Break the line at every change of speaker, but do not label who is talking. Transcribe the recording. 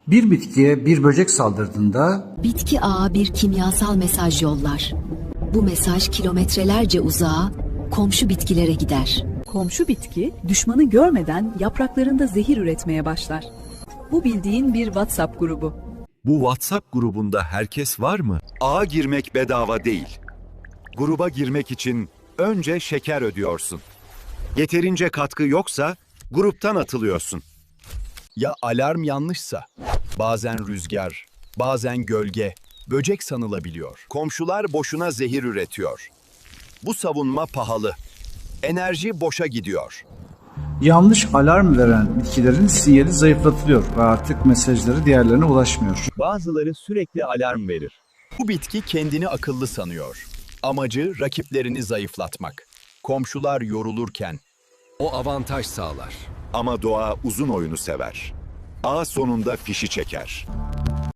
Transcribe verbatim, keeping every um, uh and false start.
Bir bitkiye bir böcek saldırdığında
Bitki ağa bir kimyasal mesaj yollar. Bu mesaj kilometrelerce uzağa, komşu bitkilere gider.
Komşu bitki düşmanı görmeden yapraklarında zehir üretmeye başlar. Bu bildiğin bir WhatsApp grubu.
Bu WhatsApp grubunda herkes var mı?
Ağa girmek bedava değil. Gruba girmek için önce şeker ödüyorsun. Yeterince katkı yoksa gruptan atılıyorsun.
Ya alarm yanlışsa? Bazen rüzgar, bazen gölge, böcek sanılabiliyor.
Komşular boşuna zehir üretiyor. Bu savunma pahalı. Enerji boşa gidiyor.
yanlış alarm veren bitkilerin sinyali zayıflatılıyor ve artık mesajları diğerlerine ulaşmıyor.
Bazıları sürekli alarm verir.
Bu bitki kendini akıllı sanıyor. Amacı rakiplerini zayıflatmak. Komşular yorulurken o avantaj sağlar.
Ama doğa uzun oyunu sever. Ağ sonunda fişi çeker.